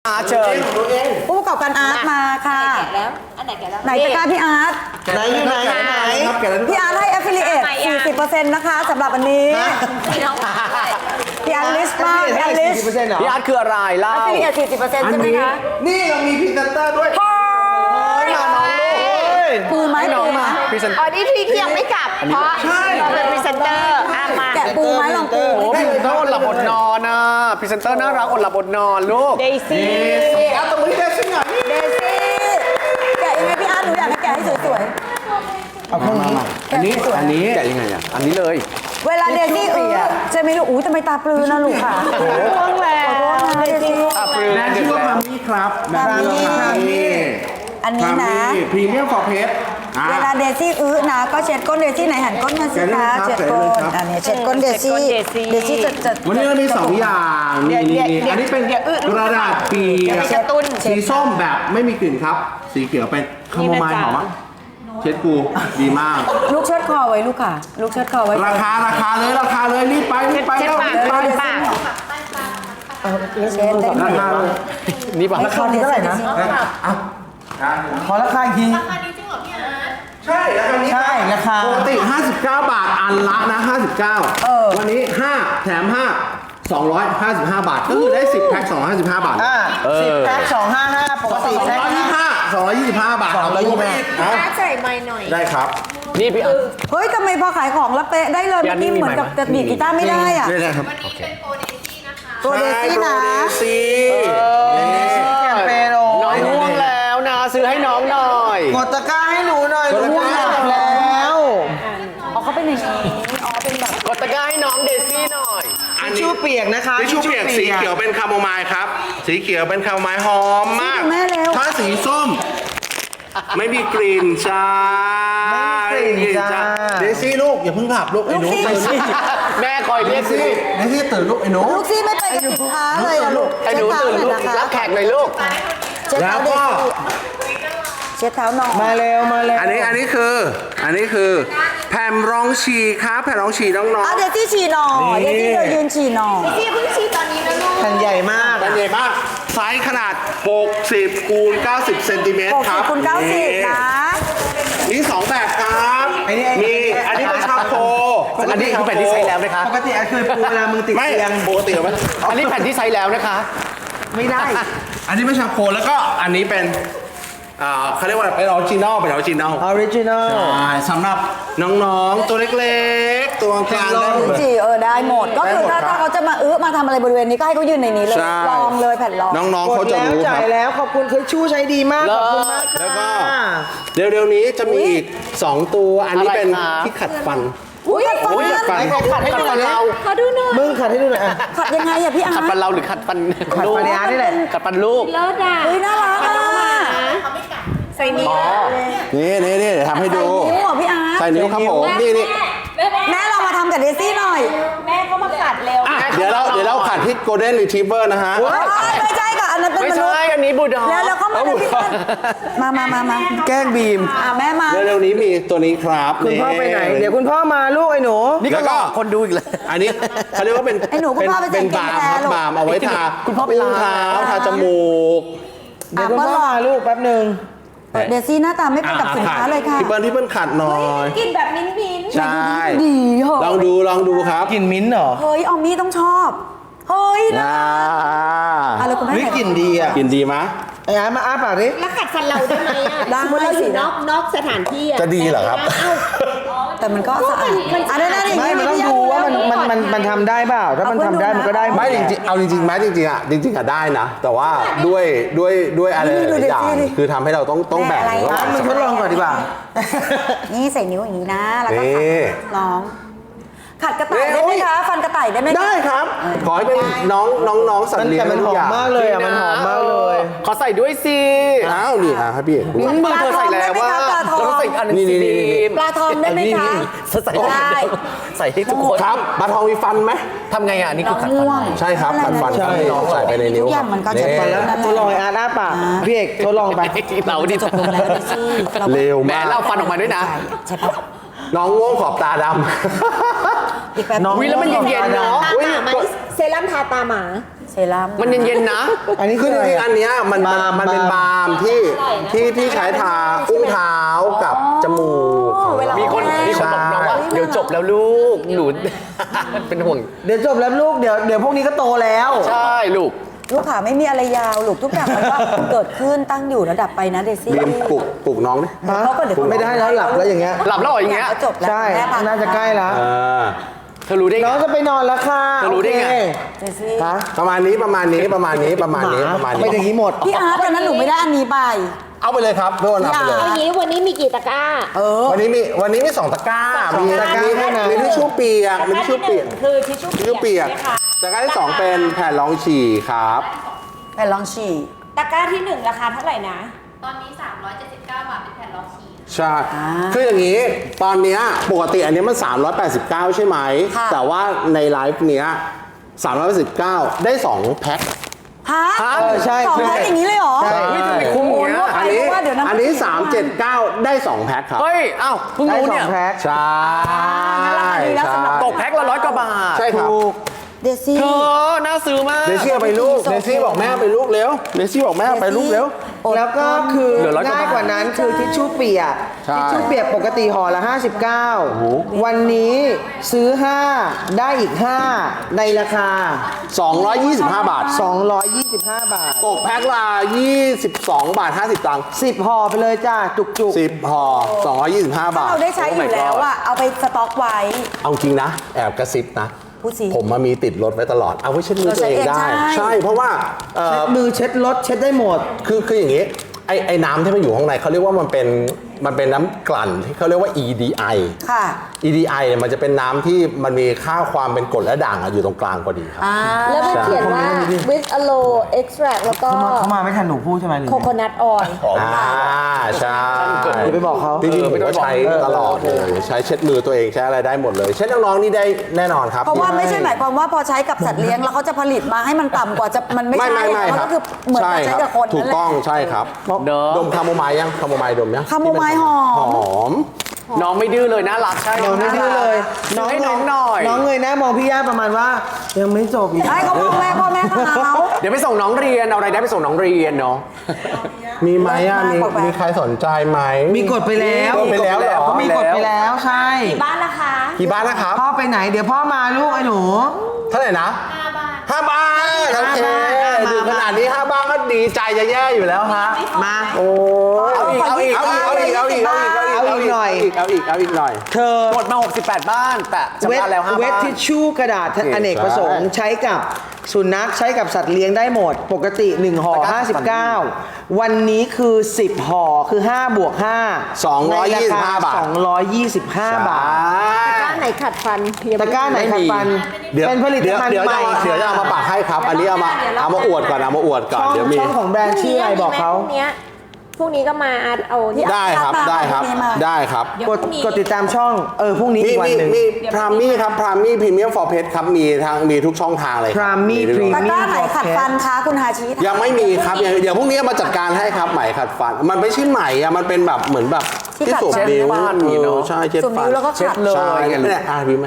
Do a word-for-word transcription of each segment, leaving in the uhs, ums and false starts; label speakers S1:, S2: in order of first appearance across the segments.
S1: อาร์ตเชิญผู้ประกอบการอาร์ตมาค่ะแล้วอันไหนแกแล้วไหนตะกร้าพี่อาร์ต
S2: ไหนอยู่ไหนไหน
S1: พี่อาร์ตให้ affiliate สี่สิบเปอร์เซ็นต์ นะคะสำหรับอันนี้พี่อาร์ตลิสต์มากพี่อาร์ตลิสต์
S3: พี่อาร์ตคืออะไรเล่า
S1: affiliate สี่สิบเปอร์เซ็นต์ ใช่ไหมคะ
S2: นี่เรามีพรีเซนเตอร์ด้วย
S1: ปูไหมปูไหม
S4: อ๋อนี่ที่ที่ยังไม่กลับเพราะเราเป็นพรีเซนเตอร์อ่ะมา
S1: แกะปูไหมลองปู
S3: โอ้พรีเซนเตอร์อดหลับอดนอนนะพรีเซนเตอร์น่ารักอดหลับอดนอนลูก
S4: เดซี่
S2: เอาตรงนี้ได้สิหน่อย
S1: เดซี่แกะยังไงพี่อาร์ตหนูอยากให้แกะให้สวย
S2: เอาข้างนี้
S1: ๆอันนี้
S3: อันนี้แกะยังไงอ่ะอันนี้เลย
S1: เวลาเดซี่อื้อจะไม่รู้อู้ทำไมตาปลือนะลูกค่ะห่วงแล้วเดซี่
S3: อ่ะปลือ
S2: แบรนด์ชื่อว่าพามี่ครับแบรนด์พามี่
S1: อันนี้นะ
S2: พรีเมียมฟอร์เพส
S1: เวลาเดซี่อื้อนะก็เช็ดก้นเดซี่ไหนหันก้นมาสิคะเช็ดก้นอันนี้เช็ดก้นเดซี่เดซี่จะจะ
S2: วันนี้เรามีสองอย่างนี่นี่อันนี้เป็นกระดาษเปียกสีส้มแบบไม่มีกลิ่นครับ สีเขียวเป็นคาโมไมล์หอมเช็ดกูดีมาก
S1: ลูกเชิดคอไว้ลูกค่ะลูกเชิดคอไว้
S2: ราคาราคาเลยราคาเลยรีบไปรีบไปแล้วรีบไป
S1: เช็ดได้
S2: ราคาเลย
S3: นี่ป่ะ
S1: ราคาเท่าไหร่นะ
S2: ขอราคาอีกทีราคานี้จริงเหรอพี่อาร์ตใช่ราคานี้ใช่ราคาปกติห้าสิบเก้าบาทอันละนะห้าสิบเก้าวันนี้ห้าแถมห้าสองร้อยห้าสิบห้าบาทก็คือได้สิบแพ็คสองร้อยห้าสิบห้าบาท
S5: สิบแพ็คสองห้าห้าปกติแพ็ค
S2: สองร้อยยี่สิบห้า สองร้อยยี่สิบห้าบาทเอาไปแม่
S4: ใส่ไม้หน่อย
S2: ได้ครับ
S3: นี่พี่อาร์ต
S1: เฮ้ยทำไมพอขายของแล้วเป๊ะได้เลยเมื่อกี้เหมือนกับจะดีดกีตาร์ไม่ได้อ่ะ
S2: ได้ครับ
S4: วันนี้เป็นโปรเดซี่นะคะ
S1: ตัวเดซี่นะ
S2: ซี
S5: แคมเปญโอ้
S3: น้องง่วงแล้วนะซื้อให้น้องหน่อย
S5: กดตะกร้าให้หนูหน่อยหนูง่วงแล้ว
S1: อ๋อเขาเป็นอย่างนี้อ๋อเป็นแบบ
S3: กดตะกร้าให้น้องเดซี่หน่อย
S5: ทิชชู่เปียกนะคะ
S2: ทิชชู่เปียกสีเขียวเป็นคาโมไมล์ครับ สีเขียวเป็นคาโมไมล์หอมมาก
S1: แม่เร็ว
S2: ถ้าสีส้ม ไม่มีกลิ่นจ้า
S5: ไม่มีกลิ่นจ้า
S2: เดซี่ลูกอย่าเพิ่งขับลูกไอ้หนู
S1: ลูกซี่
S3: แม่คอยเรียกสิ
S2: เดซี่ตื่นลูกไอ้หนู
S1: ลูกซี่ไม่ไปกับสินค้าเลยอะลูก
S3: ไอ้หนูตื่นลูกรับแขกเลยลูก
S1: เช็ด
S2: แล้
S1: เท้าว เด
S2: ก็
S1: ซี่เช็ดเท้าน้อง
S5: มาเร็วมาเร็ว
S2: อันนี้อันนี้คืออันนี้คือแผ่นรองฉี่ครับแผ่นรองฉี่น้อง
S1: อ่ะเดซี่ฉี่หน่อยเดซี่เธอยืนฉี่หน่อย
S4: พี่เพิ่งชีตอนนี้นะลูก
S5: แผ่นใหญ่มาก
S2: ๆเป็นใหญ่มากไซส์ขนาดหกสิบคูณเก้าสิบเซนติเมตร
S1: หก
S2: ค
S1: สิ
S2: รั
S1: บบ คูณเก้าสิบนะ
S2: มีสองแบบครับมีอันนี้เป็นชาโค
S3: อันนี้คือแผ่นที่ใช้แล้วนะคะ
S5: ปกติเคยปูเวลามึงติด
S2: ไม่
S5: เตียง
S2: ปกติไหม
S3: อันนี้แผ่นที่ใช้แล้วนะคะ
S5: ไม่ได้
S2: อันนี้เป็นชาโคแล้วก็อันนี้เป็นอ่าเขาเรียกว่าเป็นออริจินอลเป็นออริจินอล
S5: ออริจินอล
S2: ใช่สำหรับน้องๆตัวเล็กๆ ตัวกลางได้หมด
S1: ฉี่เออได้หมดก็คือถ้า
S2: ได้หมดครับ
S1: ถ้าเขาจะมาอื้อมาทำอะไรบริเวณนี้ก็ให้เขายืนในนี้เลย
S2: ใช่
S1: ลองเลยแผ่นรอง
S2: น้องๆ
S5: ก
S2: เขา
S5: ด
S2: จะ
S5: แล้ว
S2: รู้ค
S5: จ่า
S2: รับ
S5: ยแล้วขอบคุณทิชชู่ใช้ดีมากขอบคุณมาก
S2: แล้วก็
S5: ค่ะ
S2: เร็วๆนี้จะมีอีกสองตัวอันนี้เป็น
S3: อะไรครับ
S2: ที่ขัดฟัน
S1: อุ้ยขัดฟัน
S2: อุ้ยขัดฟัน
S3: ใครขัดให้ดูหน่อยเรา
S1: ขอดูหน่อย
S5: มึงขัดให้ดูหน่อยอ่ะ
S1: ขัดยังไงอะพี่อาร์
S3: ขัดฟันเราหรือขัดฟัน
S5: ขัดฟันในอาร์ตนี่แหละ
S3: ขัดฟันลูก
S4: เลิศอ่ะ
S1: เฮ้ยน่ารักอะ
S4: ใส่นิ้ว
S2: นี่นี่นี่เดี๋ยวทำให้ดู
S1: นิ้วเหรอพี่อาร์
S2: ใส่นิ้วครับผมนี่นี่
S1: แม่เรามาทำกับเดซี่หน่อย
S4: แม่ก็มากัดเร็ว
S2: อ่ะเดี๋ยวเราเดี๋ยวเราขัดที่ Golden Retriever นะฮะ
S1: เอ้ยไม่ใช่ค่ะอันนั้นเป็น
S3: ไม่
S1: มนุษ
S3: ใช่
S1: ย์
S3: อันนี้บูลด็อก
S1: แล้วแล้วเข้ามาเป็นพี่กันมามามามา
S5: แกล้งบีม
S1: อ่ะแม่มา
S2: เร็วๆนี้มีตัวนี้ครับ
S5: คุณพ่อไปไหน เดี๋ยวคุณพ่อมาลูกไอ้หนู
S3: นี่ก็หลอกคนดูอีกเลย
S2: อันนี้เขาเรียกว่าเป็น
S1: ไอ้หนูคุณพ่อไป
S2: เป็น
S1: ใส่
S2: บาร์มครับ
S1: แกงแทน
S2: บาร์มเอาไว้ทา
S3: คุณพ่อไปล้าง
S2: เท้าทาจมูก
S5: เดี๋ยวคุณพ่อมาลูกแป๊บหนึ่ง
S1: เดซี่หน้าตาไม่เป็นกับสินค้าเลยค่ะ
S2: พี่เปิ้ลพี่เปิ้ลขัดหน่อย
S4: กินแบบมิ้นมิ้น
S2: ใช่
S1: ดีเหรอ
S2: ลองดูลองดูครับ
S5: กลิ่นมิ้นท์เหรอ
S1: เฮ้ยออมมี่ต้องชอบเฮ้ยนะ
S2: อ่า
S1: อะไรคุณแม่
S5: เฮ้ยกลิ่นดีอ่ะ
S2: กินดีไหม
S5: ไอ้อาร์ตมาอ้าปากดิ
S4: แล้วกัดฟันเราได้ไหมอ่ะ
S1: ได้
S4: สมมติเราอยู่นอกนอกสถานที่อ่ะ
S2: จะดีเหรอครับ
S1: แต่มันก็สะอาดอันนั้นนั่น
S5: ไม่มันต้องดูว่ามันมันมันมันทำได้เปล่า ถ้ามันทำได้มันก็ได้หด
S2: ไม่จริงๆเอาจริงๆไหมจริงๆอ่ะจริงๆอ่ะได้นะ แต่ว่าด้วยด้วยด้วยอะไรหลายๆอย่างคือทำให้เราต้องต้องแบ่งระห
S5: อ่ะ
S2: ว่าง
S5: มึงทดลองก่อนดีกว่า
S1: นี่ใส่นิ้วอย่างนี้นะ แล้วก็
S2: นี่
S1: ขัดน้อง ขัดกระต่ายได้ไหมคะ ฟันกระต่ายได้ไหมคะ
S2: ได้ครับ ขอให้เป็นน้องน้องน้องสัต
S5: มัน
S2: ว์เลี้ยง
S5: แต่มันห
S2: ทุ
S5: อก
S2: อ
S5: ม
S2: ย่าง
S5: มากเลยอ่ะ มันหอมมากเลย
S3: ขอใส่ด้วยสิ
S2: อ้าวนี่อ่ะครับพี่เอกดู
S3: มือเธอใส่แล้วว่า
S1: ปลาทอง
S3: เราต้องใส่อีกอันหนึง
S2: นี่
S3: สิ
S2: นี่นี่
S3: บีม
S1: ปลาทองได้ไหมคะ
S3: ใส่
S1: ได้
S3: ใส่ให้ทุกคน
S2: ครับปลาทองมีฟันไหม
S3: ทำไงอ่ะอันนี่คือขัดฟัน
S1: ง่วง
S2: ใช่ครับขัดฟัน
S5: ใช่
S2: ให้น้องใส่ไปในนิ้ว
S1: ทุกอย่างมันก็จะ
S5: ไปแล้วทดลองไอ้อาร์ตอ้าปากพี่เอกทดลองไป
S3: เราดิ
S1: จบลงแล้วเดซี่
S2: เร็ว
S3: แหม
S2: มาก
S3: เราฟันออกมาด้วยนะ
S1: ใช่ปะ
S2: น้องง่วงขอบตาด
S1: อีกแป๊บ
S5: น้อง
S3: วิแล้วมันเย็นๆเนาะ
S4: ตาหมาไหมเซรั่มทาตาหมา
S1: เซรั่ม
S3: มันเย็นๆนะ
S5: อันนี้
S2: คื
S5: คือ อ
S2: จ
S5: อะไร
S2: ริงๆ
S5: อะ
S2: อันเนี้ยมันมันมันเป็นบาล์มที่ที่ที่ใช้ทาอุ้งเท้ากับจมูกของ
S1: เวลา
S2: เรา
S3: มีคนมีคนบอกน้องว่า
S1: ใช่
S3: เดี๋ยวจบแล้วลูกหนู เป็นห่วง
S5: เดี๋ยวจบแล้วลูกเดี๋ยวเดี๋ยวพวกนี้ก็โตแล้ว
S3: ใช่ลูก
S1: ลูกขาไม่มีอะไรยาวลูกทุกอย่างมันก็ เกิดขึ้นตั้งอยู่ระดับไปนะเดซี่
S2: บีมปลุกปลุกน้องดิ
S1: เดี๋ยวเขาก็เดี๋ยวเขา
S5: ไม่ได้แล้วหลับแล้วอย่างเงี้ย
S3: หลับแล้วเหรออย่างเงี้ย
S1: ก็จบแล้ว
S5: ใช่
S1: แม่พ
S5: น่าจะใกล้แล้ว
S2: เออ
S3: เธอรู้ได้ไง
S5: น้องจะไปนอนแล้วค่ะ
S3: จะรู้ได้ไง
S5: โอเค
S1: เดซี่
S5: ฮะ
S2: ประมาณนี้ประมาณนี้ประมาณนี้ประมาณนี้ประมาณ
S5: ไปอย่าง
S2: นี้
S5: นี้หมด
S1: พี่อาร์ตตอนนั้นหนูไม่ได้อันนี้ไป
S2: เอาไปเลยครับทุกคนเอาไปเลย
S4: อันนี้วันนี้มีกี่ตะกร้า
S1: เออ
S2: วันนี้มีวันนี้มีสองตะกร้า มี
S5: ตะกร้า
S2: มี
S5: เท่านั้น
S2: มีทิชชู่เปียกมีทิชชู่เปียก
S6: คือทิชชู่
S2: ทิชชู่เปียก
S6: ใช่ไหมคะ
S2: ตะกร้าที่สองเป็นแผ่นรองฉี่ครับ
S1: แผ่นลองฉี่
S6: ตะกร้าที่หนึ่งราคาเท่าไหร่นะ
S7: ตอนนี้ สามร้อยเจ็ดสิบเก้า บาท เป็นแผ่นรองฉี่
S2: ใช่ คืออย่างนี้ ตอนเนี้ยปกติอันนี้มัน สามร้อยแปดสิบเก้า ใช่ไหม
S1: ค่ะ
S2: แต่ว่าในไลฟ์เนี้ยสามร้อยแปดสิบเก้า ได้สองแพ็ค
S1: ฮะ
S3: ฮะ
S5: เออใช่
S1: สองแพ็คอย่างนี้เลยเหรอ
S5: ใช่
S3: เฮ้ยทำไมคุ้มอย่างเงี้ย
S2: อันนี้
S1: เพราะว่าเดี๋ยวนะ
S2: อันนี้ สามเจ็ดเก้า ได้สองแพ็คครับ
S3: เฮ้ยอ้าวเพิ่ง
S5: ได้
S3: รู้
S5: สอ
S3: เนี่
S5: ง
S3: ย
S5: แพ็ค
S2: ใช่
S1: งั้นราคาดีแล้วสำหรับ
S3: ตกแพ็คละร้อยกว่าบาท
S2: ใช่ครับ
S1: เดซี่
S3: เธอน่าซื้อมาก
S2: เดซี่เอาไปลูก เดซี่บอกแม่เอาไปลูกเร็ว เดซี่บอกแม่เอาไปลูกเร็ว
S5: แล้วก็คือ
S3: เหลือร้อยกว่า
S5: ง่ายกว่านั้นคือทิชชู่เปียก
S2: ใช่
S5: ทิชชู่เปียกปกติห่อละห้าสิบเก้าวันนี้ซื้อห้าได้อีกห้าในราคา
S2: สองร้อยยี่สิบห้า บาท
S5: สองร้อยยี่สิบห้า บาท
S2: ตกแพ็คละยี่สิบสอง บาท ห้าสิบ ตังค์
S5: สิบห่อไปเลยจ้าจุกจุก
S2: สิบห่อสองร้อยยี่สิบห้า บาท
S1: เราได้ใช้อยู่แล้วอะเอาไปสต็อกไว้
S2: เอาจริงนะ แอบกระซิบนะ
S1: พูดสิ
S2: ผมมามีติดรถไว้ตลอด เอาไว้เช็ดมือ
S1: เรา
S2: ตัวเอง
S1: ใช้เอง
S2: ได้
S1: ใช่
S2: ใช่ เพราะว่าเอ่
S5: เช็
S2: อ
S5: ดมือเช็ดรถเช็ดได้หมด
S2: คือคืออย่างนี้ไอไอน้ำที่มันอยู่ข้างในเขาเรียกว่ามันเป็นมันเป็นน้ำกลั่นที่เขาเรียกว่า อี ดี ไอ
S1: ค่ะ
S2: อี ดี ไอ เนี่ยมันจะเป็นน้ำที่มันมีค่าความเป็นกรดและด่างอะอยู่ตรงกลางพอดีครับ
S1: อ่า
S4: แล้วมัน
S2: ใช่
S4: เขียนว่า with a low extract แล้วก็
S5: เขามาเขามาไม่ทันหนูพูดใช่ไหมหรือ
S4: coconut oil
S2: อ่าใช่
S5: อย่าไปบอกเขา
S2: จริงๆผมก็ใช้ตลอดเลยใช้เช็ดมือตัวเองใช้อะไรได้หมดเลย เช็ดน้องๆนี่ได้แน่นอนครับ
S1: เพราะว่าไม่ใช่หมายความว่าพอใช้กับสัตว์เลี้ยงแล้วเขาจะผลิตมาให้มันต่ำกว่าจะมันไม่
S2: ไม่
S1: ใช่
S2: ไม่ไม่
S1: มัน
S2: ครั
S1: ก็
S2: บ
S1: คือเหมือน
S2: ใช่
S1: กับใช้
S2: ครับ
S1: กับคน
S2: ถูก
S1: นั่นแหละ
S2: ต้องใช่ครับ
S3: เนอะ
S2: ดมคาโมไมล์ยังคาโมไมล์ดมยัง
S1: คาโมไมล์หอม
S2: หอม
S3: น้องไม่ดื้อเลยน่ารักใช่
S5: น้องไม่ดื้อเลย
S3: น้องให้น้องหน่อย
S5: น้องเงยหน้ามองพี่ย่าประมาณว่า ยังไม่จบอีก
S1: ไอ้เขาพ่อแม่พ่อแม่เขา
S3: เดี๋ยวไปส่งน้องเรียนเอาอะไรายได้ไปส่งน้องเรียนเนาะ
S2: มีไหมอ่ะมี
S1: มากกว่า
S2: มีใครสนใจไหม
S5: มีกดไปแล้ว
S2: กดไปแล้วเหรอ
S5: เขามีกดไปแล้วใช่
S6: บ้านนะคะ
S2: กี่บ้านนะครับ
S5: พ่อไปไหนเดี๋ยวพ่อมาลูกไอ้หนู
S2: เท่าไหร่นะห้าบ้านโอเค
S5: ห้าบ้าน
S2: ดูขนาดนี้ห้าบ้านก็ดีใจจะแย่อยู่แล้วฮะ
S5: มา
S2: โอ้ยเอาอีกเอาอีกเอาอีกเอาอีกเอาอีกเอาอีก
S5: เอาอีกหน่อย
S2: เอาอีกเอาอีกหน่อย
S5: เธอ
S3: หมดมาหกสิบแปดบ้านแต่จำ
S5: เวท
S3: ได้แล้วห้า
S5: เวท
S3: บ้าน
S5: ทิชชู่กระดาษอเนกประสงค์ใช้กับสุนัขใช้กับสัตว์เลี้ยงได้หมด ปกติหนึ่งห่อห้าสิบเก้าวันนี้คือสิบห่อคือห้าบวกห้า
S2: สองร้อยยี่สิบห้าบาท
S5: สองร้อยยี่สิบห้าบาท
S4: ตะกร้าไหนขัดฟันยัง
S5: ตะ
S4: ไม่
S5: กร้าไหนขัดฟัน
S2: เดี๋ยว
S5: เป็นผลิต
S2: เดี๋ยว
S5: ภัณฑ์
S2: เดี๋ยว
S5: ให
S2: จะ
S5: ม่
S2: เอาเดี๋ยวจะเอามาปักให้ครับ อันนี้เอามาเอามาอวดก่อนเอามาอวดก่อน
S5: ช่อง
S2: เดี๋ยวมี
S5: ช่องของแบรนด์ชื่ออะไรบอกเขา
S4: พรุ่งนี้พรุ่งนี้ก็มาอาร์ตเอาที่
S2: ได้ครับได้ครับได้ครับ
S5: กดกดติดตามช่องเออพรุ่งนี้
S2: มี
S5: อีกวัน
S2: มี
S5: หนึ่ง
S2: มีพรามมี่ครับพรามมี่พรีเมียมฟอร์เพชครับมีทางมีทุกช่องทางเลย
S5: Prami
S2: มีทุก
S5: Premium
S1: ตะกร้าไหนขัดฟันคะคุณฮาชิ
S2: ยังไม่มีครับยังเดี๋ยวพรุ่งนี้มาจัดการให้ครับไหมขัดฟัน มันไม่ใช่ไหมอะมันเป็นแบบเหมือนแบบที่สวมนิ้ว
S3: เช็ดฟันนี่เนอะ
S2: ออใช่เช็ด
S1: สวม
S2: ฟั
S1: นิ้
S2: น
S1: วแล้วก็ขัด
S3: เลย
S2: ใช่เนี่ยอ่ะพี่ไหม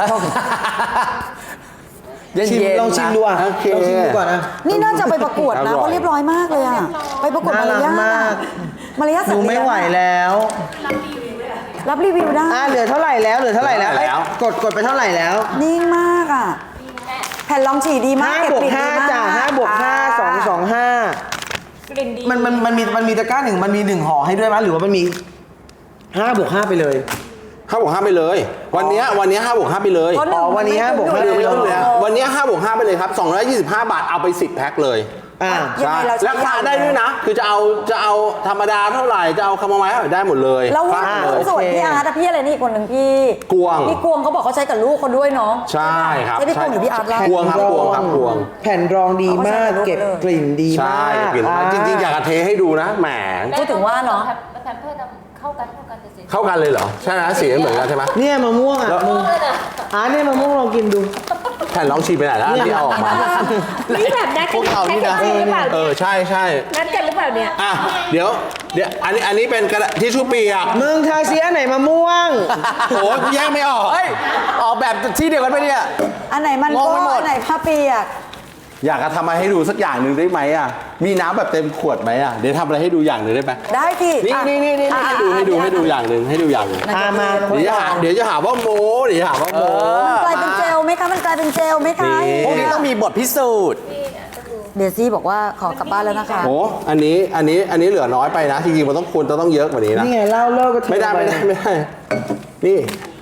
S3: เย็น
S5: ชิม
S3: ๆ
S5: ลองชิมดูอ่ะ
S2: โอเค
S5: ลองชิมดูก่อนนะ
S1: นี่น่าจะไปประกวด
S2: อร่
S1: นะ
S2: อย
S1: เขาเรียบร้อยมากเลยอะไปประกวด
S5: น่ารั
S1: มาร
S5: ก
S1: ยาท
S5: มาก
S1: มารยาท
S5: ห
S1: สัต
S5: นู
S1: ว์
S5: ไม่
S1: เลี้ยง
S5: ไหวแล้ว
S1: รับรีวิวได้
S5: อ่ะเหลือเท่าไหร่แล้วเหลือเท่าไหร่แล้ว
S2: เหลือเท่าไหร่แล้ว
S5: เอ้ยกดกดไปเท่าไหร่แล้ว
S1: นิ่งมากอ่ะ แผ่นรองฉี่ดีมาก
S5: ห้า
S1: เก็บบ
S5: วก
S1: กลิ่น
S5: ห้า
S1: ดีมาก
S5: จ้ะห้าบวกห้าสองสองห้าก
S6: ลิ่นดี
S5: มันมันมันมีมันมีตะกร้าหนึ่งมันมีหนึ่งห่อให้ด้วยมั้ยหรือว่ามันมีห้าบวกห้าไปเลย
S2: ห้าบวกห้าไปเลย วันเนี้ยวันเนี้ยห้าบวกห้าไปเลย
S1: เพราะหนึ่ง
S5: อ๋อวันนี้ห้าบวกห้า
S2: ไม่
S5: ไป
S2: ต้อง
S5: เล
S2: เลย ยวันเนี้ยห้าบวกห้าไปเลยครับสองร้อยยี่สิบห้าบาทเอาไปสิบแพ็คเลย
S5: อ่า
S1: ยังไงเราใช้
S2: ราคาย
S1: าว
S2: ได้ด้วยนะ คือจะเอาจะเอาธรรมดาเท่าไหร่จะเอาคาโมไมล์เท่าไหร่ได้หมดเลย
S1: แล้ว
S2: ฟาดเลย
S1: ส่วนพี่อาร์ตอะพี่อะไรนี่อีกคนหนึ่งพี่
S2: กวง
S1: พี่กวงเขาบอกเขาใช้กับลูกเขาด้วยเนาะ
S2: ใช่ครับ
S1: ใช่พี่กวงหรือพี่อาร์ตเล่า
S2: กวงครับกวงครับกวง
S5: แผ่นรองดีมาก
S1: เอามาใส่ในรูป
S5: เก็บ
S1: เลย
S5: กลิ่นดี
S2: ใช่
S5: มาก
S2: กลิ่นมากจริงๆ อยากจะเทให้ดูนะแหม
S1: พูดถึงว่าเนาะ
S7: แพมเพิร์ดเข้ากันเข้ากันจะเสร็จ
S2: เข้ากันเลยเหรอ ใช่นะสีเหมือนกันใช่ไหม
S5: เนี่ยมะม่วงอ่ะมึงอ่าเนี่ยมะม่วงลองกินดู
S2: แผ่นลองชีไปไหนแล้วอันที่เอาออกมา
S4: นี่แบบนัด
S3: พวกเรานี่นะ
S4: ใช่หรือเปล่า
S2: เออใช่ใช่
S4: นัดกันหรือเปล่าเนี่ย
S2: อ่ะเดี๋ยวเดี๋ยวอันนี้อันนี้เป็นกระดาษทิชชู่เปียก
S5: มึงทาเสียไหนมะม่วง
S2: โอ้ยแยกไม่ออก
S3: เฮ้ยออกแบบที่เดียวกันไปะเนี่ย
S1: อันไหนมัน
S3: มอง
S1: โก้
S3: ไม่หมด
S1: อันไหนผ้าเปียก
S2: อยากจะทำอะไรให้ดูสักอย่างหนึ่งได้ไหมอ่ะมีน้ำแบบเต็มขวดไหมอ่ะเดี๋ยวทำอะไรให้ดูอย่างหนึ่งได้ไหม
S1: ได้สิ
S2: นี่
S1: อ่ะ
S2: นี่นี่นี่
S1: อ่ะ
S2: ให้ดูให้ดูให้ดูอย่างหนึ่งให้ดูอย่างหนึ่ง
S5: อ่ะมา
S2: เดี๋ยวจะหาเดี๋ยวจะหาว่าโม้เดี๋ยวจะหาว่าโม้
S1: กลายเป็นเจลไหมคะมันกลายเป็นเจลไหมคะ
S2: นี่
S3: พวกนี้ต้องมีบทพิสูจน์
S1: เดซี่บอกว่าขอกลับบ้านแล้วนะคะ
S2: โอ้อันนี้อันนี้อันนี้เหลือน้อยไปนะจริงๆมันต้องควรจะต้องเยอะกว่านี้นะ
S5: นี่ไงเล่าเลิกก็เท
S2: ไม่ได้
S5: ป
S2: ไม่ได้ไม่ได้ นี่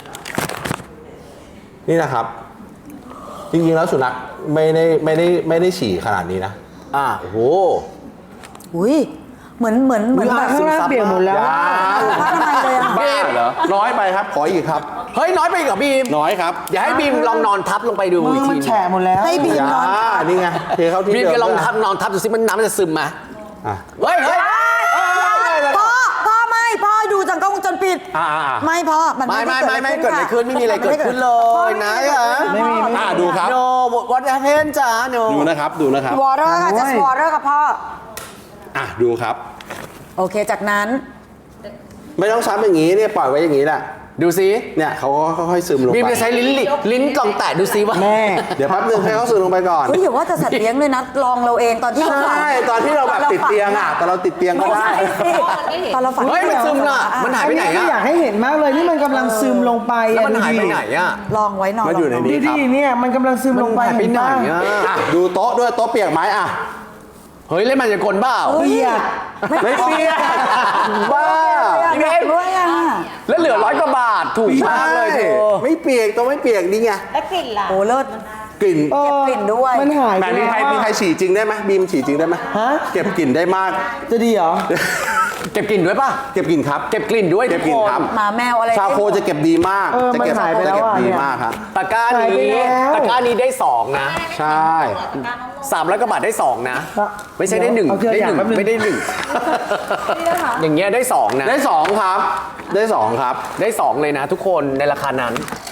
S2: นี่นะครับ จริงๆแล้วสุนัขไม่ได้ไม่ได้ไม่ได้ฉี่ขนาดนี้นะ
S3: อ่า
S2: โอ้โห
S1: อุ้ยเหมือนเหมือนเหมือน
S5: อุ๊ย
S1: แบบ
S5: ข้างล่างเปลี่ยนหมดแล้ว
S2: อย่า
S1: ผ้าทำไมยเลยอ่ะ
S2: บ้าเหรอ น้อยไปครับ ขออีกครับ
S3: เฮ้ย น้อยไปอีกเหรอบีม
S2: น้อยครับ
S3: อย่าให้บีมลองนอนทับลงไปดู
S5: มื
S3: อี
S5: อก มั
S3: ที
S5: นแฉะหมดแล้ว
S1: ให้บี
S2: อ
S1: ม
S2: ย่าน
S1: อน
S2: นี่ไงเทเข้าที่
S3: บีม
S2: เดิม
S3: จะลอง
S2: ด้วย
S3: ทับนอนทับดูสิมันน้ำมันจะซึมไหม
S2: อ่ะ
S3: เฮ้ยเฮ้ย
S1: พ่อพ่อไม่พ่อดูจากกล้องวงจรปิด
S2: อ่าอ่าอ่า
S1: ไม่พ่อมัน
S3: ไม่ไม่ไม่ไม่
S1: ด้
S3: เกิดอะไรขึ้นไม่มีอะไรเกิดขึ้นเลย
S1: พ่อ
S3: นะ
S1: ไม่มีอะไรเกิดขึ้น
S5: ไม่มีไม่มี
S2: อ่าดูครับ
S3: โนวัดเพนจ้าโน
S2: ดูนะครับ ดูนะครับ
S1: วอเตอร์ค่ะจะวอเตอร์ค่ะพ่อ
S2: อ่ะ ดูครับ
S1: โอเคจากนั้น
S2: ไม่ต้องซ้ำอย่างนี้เนี่ยปล่อยไว้อย่างนี้แหละ
S3: ดูสิ
S2: เนี่ยเขาก็ค่อยๆซึมลง
S3: บีม
S2: ไป
S3: จะใช้ลิ้นลิลิ้นกลองแตะดูสิว่า
S5: แม่
S2: เดี๋ยวแป๊บนึงให้เขาซึมลงไปก่อน
S1: เฮ้ยอย่าว่าแต่สัตว์เลี้ยงเลยนะลองเราเองตอนที่เราฝัน
S2: ใช่ ตอนที่เราแบบติดเตียงอ่ะ ตอนเราติดเตียงก็
S1: ไม่
S2: ได้
S1: ใช่สิตอนเราฝัน
S3: เฮ้ยมันซึมน่ะมันหายไปไหน
S5: อั
S3: อะ
S5: อยากให้เห็นมากเลยนี่มันกำลังซึมลงไป
S3: แล้วมัน
S5: อ่ะ
S3: หายไปไหนอะ
S1: ลองไว้นอน
S2: มันอยู่ใน
S1: ลง
S2: นี้
S5: ดูดิเนี่ยมันกำลังซึมลงไป
S3: มันหายไปไหน
S5: เห็
S3: อะ
S5: ปะ
S2: อ่ะดูโต๊ะด้วยโต๊ะเปียกไหมอ่ะ
S3: เฮ้ยเล่นมันจะกลเปล่า
S5: เปียก
S2: ไม่เปียกบ้า
S1: พี่เบนด้วยอ่ะ
S3: แล้วเหลือร้อยกว่าบาทถูกมากเลยเธอ
S2: ไม่เปียกตัวไม่เปียกนี่ไง
S6: แล้วกลิ่นล่ะ
S1: โอ้เลิศ
S2: กลิ่น
S5: เออ
S1: เก็บกลิ่นด้วย
S5: มันหายไป
S2: แต่มีใคร
S5: แล้ว
S2: มีใครฉี่จริงได้ไหมบีมฉี่จริงได้ไหม
S5: ฮะ
S2: เก็บกลิ่นได้มาก
S5: จะดีเหรอ
S3: เก็บกลิ่นด้วยป่ะ
S2: เก็บกลิ่นครับ
S3: เก็บกลิ่นด้วย
S2: เก็บกลิ่นครับ
S1: หมาแมวอะไร
S2: ชาโคจะเก็บดีมาก
S5: เออ
S2: จะเก็บ
S5: มันหายไป
S2: จะเก็บ
S5: แล้วอ่ะ
S2: ดี
S5: เนี่ย
S2: มากครับ
S3: ตะกร้า
S5: หายไป
S3: นี้
S5: แล้ว
S3: ตะกร้านี้ได้สองนะ
S2: ใช่
S3: สามร้อยกว่าบาทได้สองนะ ไม่ใช่ได้หนึ่ง
S5: เอาเทียบ
S3: ได้
S5: อย่าง
S3: หนึ่ง
S5: แป๊บนึง
S3: ไม่ได้หนึ่งอย่างเงี้ยได้สองนะ
S2: ได้สองครับ ได้สองครับ
S3: ได้สองเลยนะ ทุกคนในราคานั้น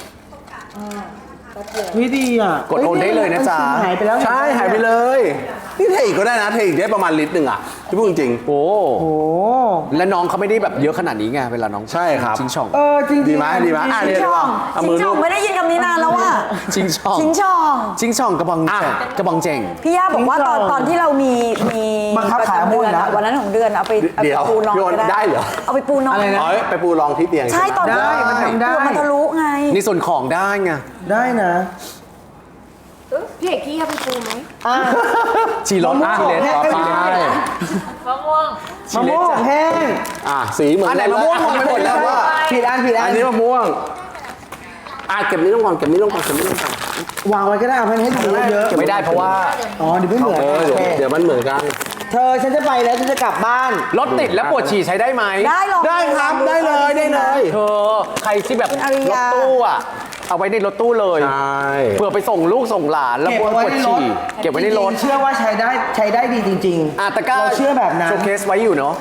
S5: วิดีอ่ะ
S3: กดโอนได้เลยนะจ๊ะ
S5: มันหายไปแล้ว
S2: ใช่หายไปเลย นี่เทอีกก็ได้นะเทอีกได้ประมาณลิตรหนึ่งอ่ะที่พูดจริง
S3: โอ้
S5: โอ้
S3: และน้องเขาไม่ได้แบบเยอะขนาดนี้ไงเวลาน้อง
S2: ใช่ครับ
S3: ชิงช่อง
S5: เออจริงๆ
S2: ดีไหมดีไหมอ่ะ
S1: ชิ
S2: เดี๋
S1: ง
S2: ยว
S1: ช่อง
S2: เอา
S1: ชิ
S2: มื
S1: ง
S2: อ
S1: ช่
S2: ลู
S1: อง
S2: บ
S1: ไม่ได้ยินคำนี้นานแล้วว่ะ
S3: ชิงช่อง
S1: ชิงช่อง
S3: ชิงช่องกระบอง
S2: อ่ะ
S3: แจงกระบองเจง
S1: พี่ย่าบอกว่าตอนตอนที่เรามีมี
S5: บังคับ
S1: ประ
S5: ขาย
S1: จำ
S5: มุ่
S1: เดื
S5: น
S1: อน
S5: แล้
S1: อะ
S5: ว
S1: วันนั้นของเดือนเอาไปเอา
S2: เดี๋
S1: ไป
S2: ยว
S1: ปูนอน
S2: พี่โอน
S1: ก็
S2: ได้เหรอ
S1: เอาไปปูนอน
S5: อะไรนะ
S2: อ๋อไปปูรองที่เตียง
S1: ใช่ตอน
S5: ได้มันทำได้
S1: เผื่อมันทะลุไง
S3: ในส่วนของได้ไง
S5: ได้นะ
S6: พี่เอกกี้เอาไปปูไหม
S5: อ่ะ
S3: ชีรส
S5: มะม่วง
S3: ชีเลส
S5: แห้ง
S3: ต่อไป
S6: มะม่วง
S5: มะม่วงแห้ง
S2: อ่ะสีเหมือน
S3: อันไหน
S2: กั
S3: มะม่วงผมไปหมดแล้วว่า
S5: ผิดอันผิดอั
S2: อั
S5: น
S2: นนี้มะม่วงอ่ะเก็บนี้ลงก่อนเก็บนี้ลงก่อนเก็บนี้ลงก่อน
S5: วางไว้ก็ได้เอาให้ให้ดูเยอะ
S3: ไม่ได้เพราะว่า
S5: อ๋อเดี๋ยวไม่เหมือน
S2: เออ
S5: โอ
S2: เดี๋ยว
S5: เค
S2: เดี๋ยวมันเหมือนกัน
S5: เธอฉันจะไปแล้วฉันจะกลับบ้าน
S3: รถติดแล้วปวดฉี่ใช้ได้ไหม
S1: ได้หรอก
S2: ได้ครับได้เลยได้เลย
S3: เธอใครที่แบบ
S1: คุณอาริ
S3: รถ
S1: ยา
S3: ตู้อ่ะ เอาไว้ในรถตู้เลย
S2: ใช่
S3: เพื่อไปส่งลูกส่งหลานแล้ว
S5: เก็บ
S3: ปวด
S5: เอาไว้
S3: ปวด
S5: ในรถ
S3: ฉี่เก็บไว้ในรถ
S5: จงๆเชื่อว่าใช้ได้ใช้ได้ดีจริงๆ
S3: อ่ะตะกร้า
S5: เราเชื่อแบบนั้น
S3: โชว์เคสไว้อยู่เนาะ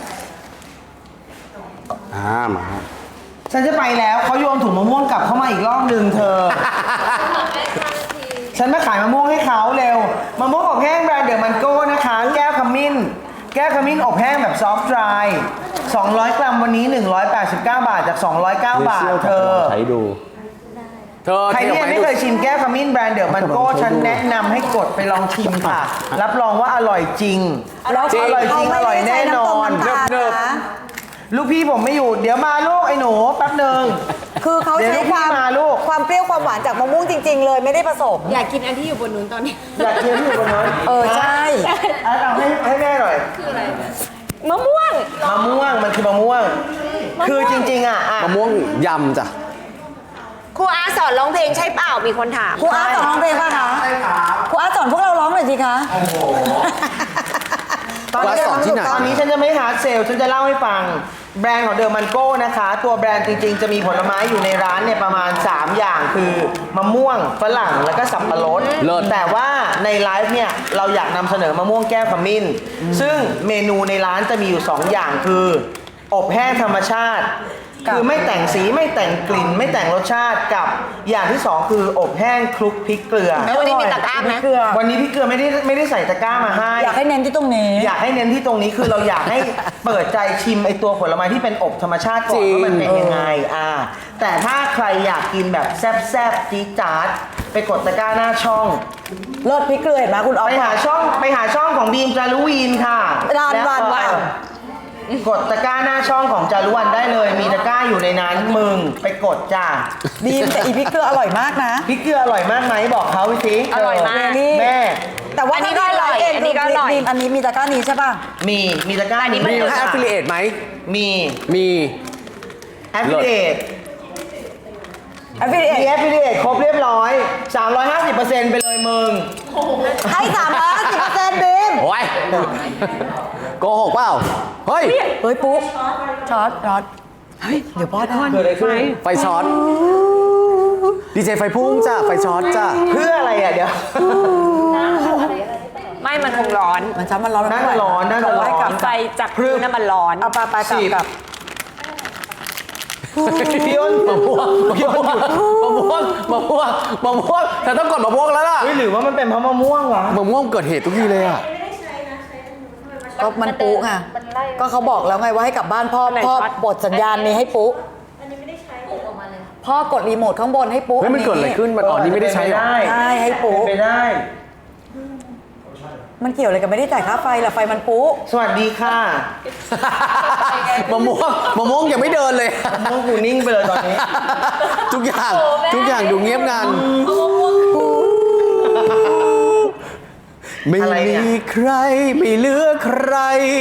S2: อ่ามาครับ
S5: ฉันจะไปแล้วเขาโยนถุงมะม่วงกลับเข้ามาอีกรอบหนึ่งเธอ ฉันมาขายมะม่วงให้เขาเร็วมะม่วงอบแห้งแบรนด์เดอร์มันโก้นะคะ แก้วขมิ้น แก้วขมิ้นอบแห้งแบบซอฟต์ดรายสองร้อยกรัมวันนี้หนึ่งร้อยแปดสิบเก้าบาทจากสองร้อยเก้าบาทเธอ
S2: ใช้ดู
S3: เธอ
S5: ใครที่ยังไม่เคยชิมแก้วขมิ้นแบรนด์เดอร์มันโก้ฉันแนะนำให้กดไปลองชิมค่ะ รับรองว่าอร่อยจริง
S1: แล้ว
S5: จริงอร่อยจริงอร่อยแน่นอน
S1: เนิบเนิบ
S5: ลูกพี่ผมไม่อยู่ เดี๋ยวมาลูกไอ้หนูแป๊บหนึ่ง
S1: คือเขา
S5: เดี๋ยว
S1: ใช้
S5: ลูก
S1: ความ
S5: พี่มาลูก
S1: ความเปรี้ยวความหวานจากมะม่วงจริง ๆ เลยไม่ได้ผสม
S6: อยากกินอันที่อยู่บนนู้นตอนนี้
S5: อยากเคี้ยวที่อยู่บนนั้น
S1: เออใช่
S5: อ่ะเอาให้ให้แม่หน่อย
S6: มะม่วง
S5: มะม่วงมันคือมะม่วง คือจริงๆอ่ะอ่ะ
S3: มะม่วงยำจ้ะ
S4: ครูอาสอนร้องเพลงใช่เปล่ามีคนถาม
S1: ครูอาร์ตสอนร้องเพลงป่ะคะใช่ครับครูอาร์ตสอนพวกเราร้องหน่อยสิคะ
S5: ตอนนี้
S3: ว่าสอนที่ไหน
S5: ตอนนี้ฉันจะไม่ฮาร์ดเซลฉันจะเล่าให้ฟังแบรนด์ของเดอร์มันโก้นะคะ ตัวแบรนด์จริงๆ จะมีผลไม้อยู่ในร้านเนี่ยประมาณ สาม อย่างคือมะม่วงฝรั่งแล้วก็สับปะรด
S3: เลิศ
S5: แต่ว่าในไลฟ์เนี่ยเราอยากนำเสนอมะม่วงแก้วขมิ้น ซึ่งเมนูในร้านจะมีอยู่ สอง อย่างคือ อบแห้งธรรมชาติ คือไม่แต่งสีไม่แต่งกลิ่น ไม่แต่งรสชาติกับอย่างที่สองคืออบแห้งคลุกพริกเกลือ
S4: แล้ววันนี้มีตะกร้าไหม
S1: เกลือ
S5: วันนี้พี่เกลือไม่ได้ไม่ได้ใส่ตะกร้ามาให้
S1: อยากให้เน้นที่ตรงนี้
S5: อยากให้เน้นที่ตรงนี้คือเราอยากให้เปิดใจชิมไอตัวผลไม้ที่เป็นอบธรรมชาติก่อน
S3: จริง
S5: ว่ามันเป็นยังไงอ่าแต่ถ้าใครอยากกินแบบแซ่บๆจี๊ดจ๊าดไปกดตะกร้าหน้าช่อง
S1: เลิศพริกเกลือเห็นไหมคุณออฟ
S5: ไปหาช่องไปหาช่องของบีมจารุวีนค่ะ
S1: ร้าน
S5: แล้ว
S1: วัน
S5: ก็
S1: วัน
S5: กดตะกร้าหน้าช่องของจารุวันได้เลย มีตะกร้าอยู่ในนั้นมึงไปกดจ้า
S1: บีมแต่อีพริกเกลืออร่อยมากนะ
S5: พริกเกลืออร่อยมากไหมบอกเขาไปสิ
S4: อร่อยมาก
S1: นี่
S5: แม่
S1: แต่ว่า
S4: อันนี้ก็อร่อย
S1: ถ้าบีมไลฟ์เง
S4: อันนี้ก็อร่อย
S1: บีมอันนี้มีตะกร้านี้ใช่ป่ะ
S5: มีมีตะกร้า
S4: อันนี้
S3: มีให้ affiliate ไหม
S5: มี
S3: มี
S5: แอฟฟิลิเอต
S1: แอฟฟิลิเอ
S5: มีแอฟฟิลิเอตครบเรียบร้อย สามร้อยห้าสิบเปอร์เซ็นต์ ไปเลยมึง
S1: ให้สามร้อยสิบเปอร์เซ็นต์บีม
S3: โอ้ยโกหกเปล่า เฮ้ย
S1: เฮ้ยปุ๊บช็อตช็อตเฮ้ยเดี๋ยวบอสก่อน
S5: เกิดอะไรขึ้น
S3: ไฟช็อต ดีเจไฟพุ่งจ้ะ ไฟช็อตจ้ะ
S5: เพื่ออะไรอ่ะเดี๋ยว
S4: ไม่มันคงร้อน
S1: มันช้ำมันร้อน
S5: น่าจะร้อนน่าจะร้อน
S1: ให้กลับ
S4: ไฟจากพื้นน้ำมันร้อน
S1: เอาปลาปลากลับกลับ
S5: พี่อ้น
S3: มะม่วงมะม่วงมะม่วงมะม่วงมะม่วงแต่ต้องกดมะม่วงแล้วล่ะ
S5: เฮ้ยหรือว่ามันเป็นเพราะมะม่วงวะ
S3: มะม่วงเกิดเหตุทุกทีเลยอ่ะ
S1: ก็มันปุ๊ไงก็เขาบอกแล้วไงว่าให้กลับบ้านพ่อ
S4: ไหน
S1: พ่อ
S4: ช็อต
S1: ปลดสัญญาณนี้ให้ปุ๊พ่อกดรีโมทข้างบนให้ปุ๊
S3: เฮ้ยมันเกิดอะไรขึ้น มันอ๋อนี่ไม่ได้ใช้หรอ
S1: ใช่ให้ปุ๊
S5: เป็นไปได้
S1: มันเกี่ยวอะไรกับไม่ได้จ่ายค่าไฟล่ะไฟมันปุ๊
S5: สวัสดีค่ะ
S3: มะม่วงมะม่วงยังไม่เดินเลย
S5: มะม่วงกูนิ่งไปเลยตอนนี้
S3: ทุกอย่างทุกอย่างดูเงียบงันไม่
S5: อะไรเนี่
S3: มี
S5: ย
S3: ใคร ไม่เหลือใคร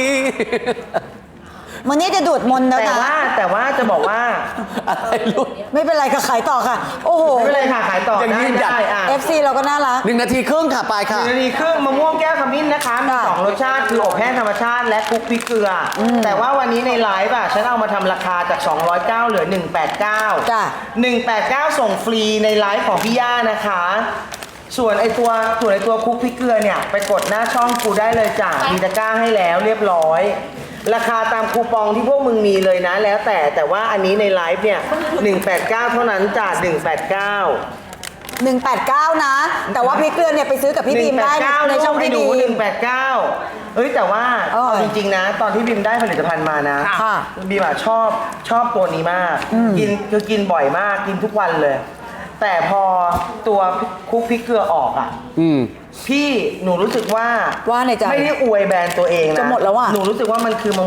S1: มันนี้จะดูดมนต์แล้ว
S5: แต่
S1: นะ
S5: ว่าแต่ว่าจะบอกว่า
S3: อะไรลูก
S1: ไม่เป็นไรค่ะขายต่อค่ะ โอ้โห
S5: ไม่เป็นไรค่ะขายต่อ
S3: ยัง
S5: ได้
S3: ยืนหยัด
S5: ได้อ่ะ
S1: เอฟซี เราก็น่ารัก
S3: หนึ่งนาทีครึ่งค่ะ ไป
S5: ห
S3: ค่ะ
S5: นึ่งนาทีครึ่งมะม่วงแก้วขมิ้นนะคะ มี
S1: ค่ะ
S5: สองรสชาติคืออบแห้งธรรมชาติและคลุกพริกเกลืออแต่ว่าวันนี้ในไลฟ์อ่ะฉันเอามาทำราคาจากสองร้อยเก้าเหลือหนึ่งร้อยแปดสิบเก้า
S1: จ้ะ
S5: หนึ่งร้อยแปดสิบเก้าส่งฟรีในไลฟ์ของพี่ย่านะคะ ส่วนไอตัวส่วนไอตัวคลุกพริกเกลือเนี่ยไปกดหน้าช่องกูได้เลยจ้ะมีตะกร้าให้แล้วเรียบร้อย ราคาตามคูปองที่พวกมึงมีเลยนะ แล้วแต่แต่ว่าอันนี้ในไลฟ์เนี่ยหนึ่งร้อยแปดสิบเก้าเท่านั้นจ้ะหนึ่งร้อยแปดสิบเก้า
S1: หนึ่งแปดเก้านะ แต่ว่าพริกเกลือเนี่ยไปซื้อกับพี่บีมได้ในในช่องพี่
S5: ดู
S1: บี
S5: หนึ่
S1: ม
S5: งแปดเก้าเอ้ยแต่ว่า
S1: เออ
S5: เอาจริงๆนะ ตอนที่บีมได้ผลิตภัณฑ์มานะ
S1: ค่ะ
S5: บีมอะชอบชอบตัวนี้มาก กินคือกินบ่อยมากกินทุกวันเลย แต่พอตัวคลุกพริกเกลือออกอ่ะ
S3: อืม
S5: พี่หนูรู้สึกว่า
S1: ว่าในใจ
S5: ไม่ได้อวยแบรนด์ตัวเองนะ
S1: จะหมดแล้วอะ
S5: หนูรู้สึกว่ามันคือมะ